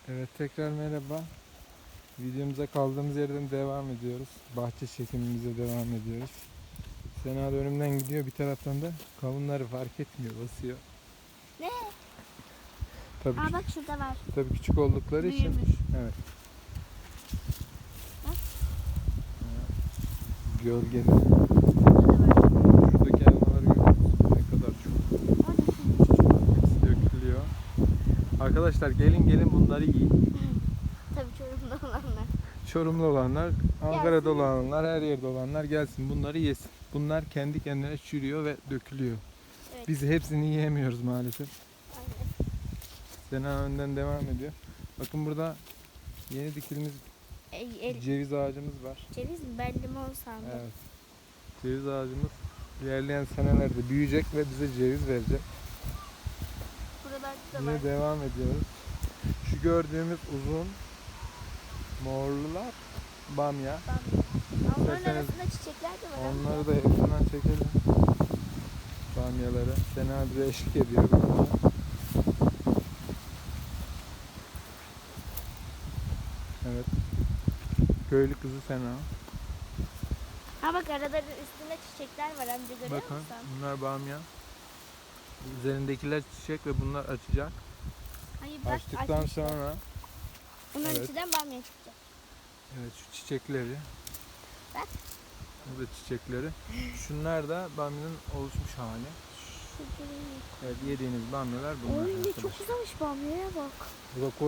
Evet, tekrar merhaba. Videomuza kaldığımız yerden devam ediyoruz. Bahçe çekimimize devam ediyoruz. Sena da önümden gidiyor, bir taraftan da kavunları fark etmiyor, basıyor. Ne? Tabii, Aa bak şurada var. tabii küçük oldukları için. Büyümüş. Evet. Bak. Gölgede. Burada da var. Şuradaki elmaları görüyor musun? Ne kadar çok. Orada küçük. Hepsi dökülüyor. Arkadaşlar gelin bunları yiyin. Tabii Çorum'da olanlar. Çorumlu olanlar, Ankara'da olanlar, her yerde olanlar gelsin bunları yesin. Bunlar kendi kendine çürüyor ve dökülüyor. Evet. Biz hepsini yiyemiyoruz maalesef. Aynen. Sena önden devam ediyor. Bakın burada yeni dikilmiş ceviz ağacımız var. Ceviz mi? Ben limon sandım. Evet. Ceviz ağacımız ilerleyen senelerde büyüyecek ve bize ceviz verecek. Buralarda da Yine var. devam ediyoruz. Şu gördüğümüz uzun morlular bamya. Onların İsterseniz arasında çiçekler de var. onları da yakından çekelim. Bamyaları. Sena bize eşlik ediyor. Evet. Köylü kızı Sena. Ha bak araların üstünde çiçekler var amca, görüyor Bakın musun? bunlar bamya. Üzerindekiler çiçek ve bunlar açacak. Hayır bak Açtıktan açmışlar. sonra Bunların evet. içinden bamya çıkacak. evet şu çiçekleri. Bak. Bu da çiçekleri. Şunlar da bamyanın oluşmuş hali. Evet, yediğiniz bamyalar bunlar. Oy ne arkadaşlar. çok güzelmiş, bamyaya bak. Bu da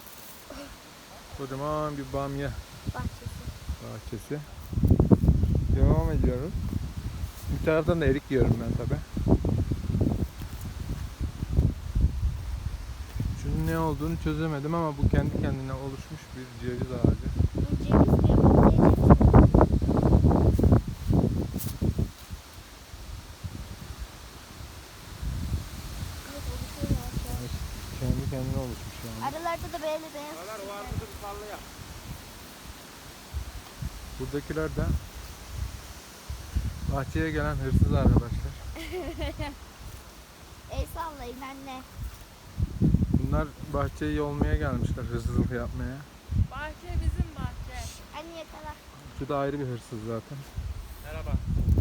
kocaman bir bamya Bahçesi. bahçesi. Devam ediyoruz. Bir taraftan da erik yiyorum ben tabi. Şunun ne olduğunu çözemedim ama bu kendi kendine oluşmuş bir ceviz ağacı. Bu ceviz diyor. Bu ceviz. Evet, oluşuyor yavaş yavaş. Kendi kendine oluşmuş yani. Aralarda da böyle beyaz çiçekler. Buradakiler de bahçeye gelen hırsız arkadaşlar. El sallayın anne. Bunlar bahçeyi yolmaya gelmişler, hırsızlık yapmaya. Bahçe bizim bahçe. Anne yakala. Şu da ayrı bir hırsız zaten. Merhaba.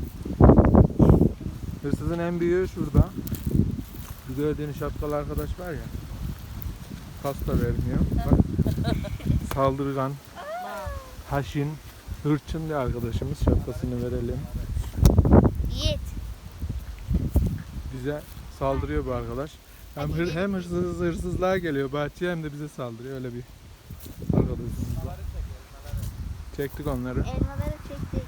Hırsızın en büyüğü şurada. Bu gördüğünüz şapkalı arkadaş var ya. Kas da vermiyor. Bak. Saldırgan, haşin, hırçın bir arkadaşımız. Şapkasını verelim. Yiğit. Bize saldırıyor bu arkadaş. Hem hırsızlığa geliyor bahçeye hem de bize saldırıyor. Öyle bir arkadaşımız var. Çektik onları. Elmaları çektik.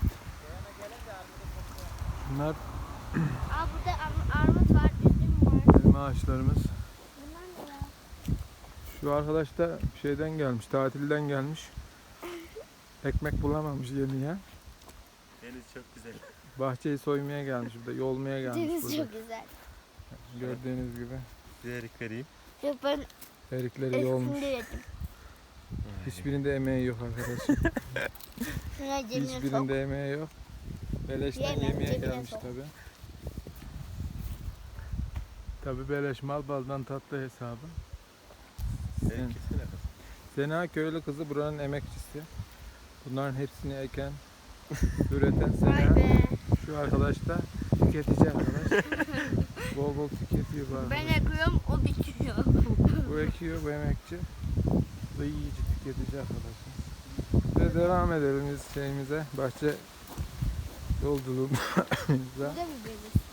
Bunlar Aa burada armut var, üzüm var. elma ağaçlarımız. Bunlar ne ya? Şu arkadaş da şeyden gelmiş, tatilden gelmiş. Ekmek bulamamış yemeye. Deniz çok güzel. Bahçeyi soymaya gelmiş, burada yolmaya gelmiş. Deniz Burada. çok güzel. Gördüğünüz gibi Bir erik vereyim. Yok ben erikleri yolmuş. üstünde yedim. Hiçbirinde emeği yok arkadaşım. Şuna cebine sok. Hiçbirinde emeği yok. Beleşten Yemem, yemeye cebine gelmiş sok. tabi. Tabi beleş mal baldan tatlı hesabı. Seninkisi ne kız? Sena köylü kızı buranın emekçisi. Bunların hepsini eken, üreten Vay Sena. be. Şu arkadaş da tüketici arkadaş. Bol bol tüketiyor bu Ben arkadaş. yakıyorum, o bitiyor. Bu ekiyor, bu emekçi. Bu da yiyici, tüketici arkadaşlar. Ve devam edelim biz şeyimize, bahçe yolculuğumuza. Burada mı böyle?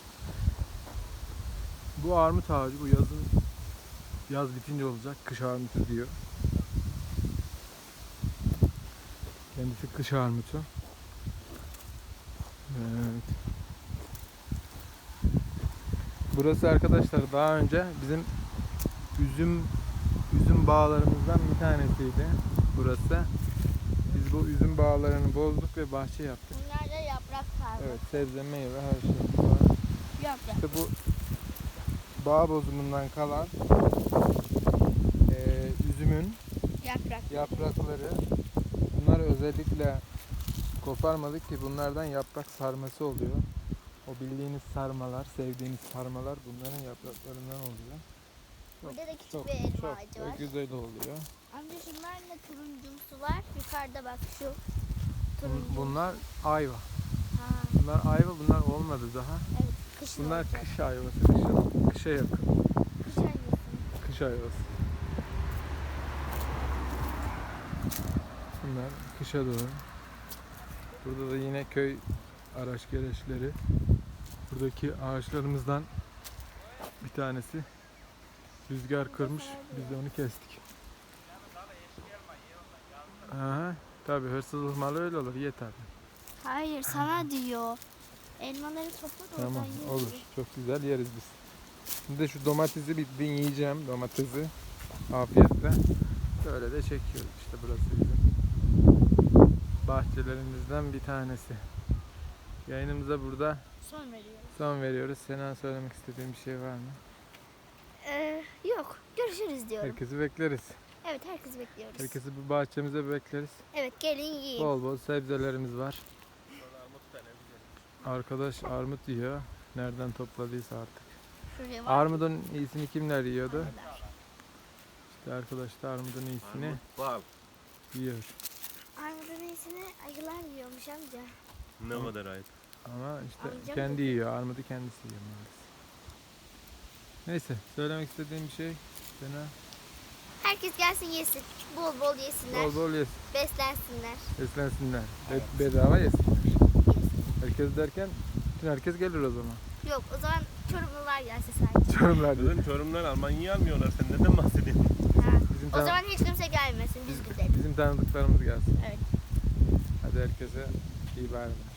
Bu armut ağacı, bu yaz bitince olacak, kış armutu diyor. Kendisi kış armutu. Evet. Burası arkadaşlar daha önce bizim üzüm bağlarımızdan bir tanesiydi burası. Biz bu üzüm bağlarını bozduk ve bahçe yaptık. Bunlar da yaprak sarma. Evet, sebze, meyve, her şey var. Yaprak. İşte bu bağ bozumundan kalan üzümün yaprakları, bunları özellikle koparmadık ki bunlardan yaprak sarması oluyor. O bildiğiniz sarmalar, sevdiğiniz sarmalar bunların yapraklarından oluyor. Burada da küçük Çok, bir elma çok ağacı da var. güzel oluyor. Amca şunlar ne turuncumsu var. Yukarıda bak şu turuncu. Bunlar ayva. Ha, Bunlar ayva, bunlar olmadı daha. evet. Kışın Bunlar olacak. kış ayvası, kışa yakın. Kış ayvası. Kış ayvası. Bunlar kışa doğru. Burada da yine köy araç gereçleri. Buradaki ağaçlarımızdan bir tanesi rüzgar kırmış. Biz de onu kestik. Aha, tabii hırsızlık malı öyle olur. Ye tabii. Hayır sana diyor. Elmaları topla da Tamam, oradan yiyelim. olur. Çok güzel yeriz biz. Şimdi de şu domatesi bir yiyeceğim. Domatesi. Afiyetle. Böyle de çekiyoruz. İşte burası bizim bahçelerimizden bir tanesi. Yayınımıza burada Son veriyorum. son veriyoruz. Sena, söylemek istediğin bir şey var mı? Yok. Görüşürüz diyorum. Herkesi bekleriz. Evet herkesi bekliyoruz. Herkesi bu bahçemize bekleriz. Evet gelin yiyin. Bol bol sebzelerimiz var. Arkadaş armut yiyor. Nereden topladıysa artık. Şuraya var. Armudun iyisini kimler yiyordu? İşte arkadaş da armudun iyisini Bal. yiyor. Armudun iyisini ayılar yiyormuş amca. Ne kadar ayıp. Ama işte Amcam kendi dedi. yiyor. Armudu kendisi yiyor maalesef. Neyse, söylemek istediğim bir şey. Sena, Herkes gelsin yesin. Bol bol yesinler. bol bol yesin. Beslensinler. Beslensinler. Evet. Bedava yesinler. Yesin. Herkes derken bütün herkes gelir o zaman. Yok o zaman Çorumlular gelse sadece. Çorumlar diyor. Dün Çorum'dan Almanya'yı almıyorlar. Sen neden bahsediyorsun? Ha. Bizim, O zaman hiç kimse gelmesin. Biz gidelim. bizim tanıdıklarımız gelsin. Evet. Hadi herkese iyi bayramlar.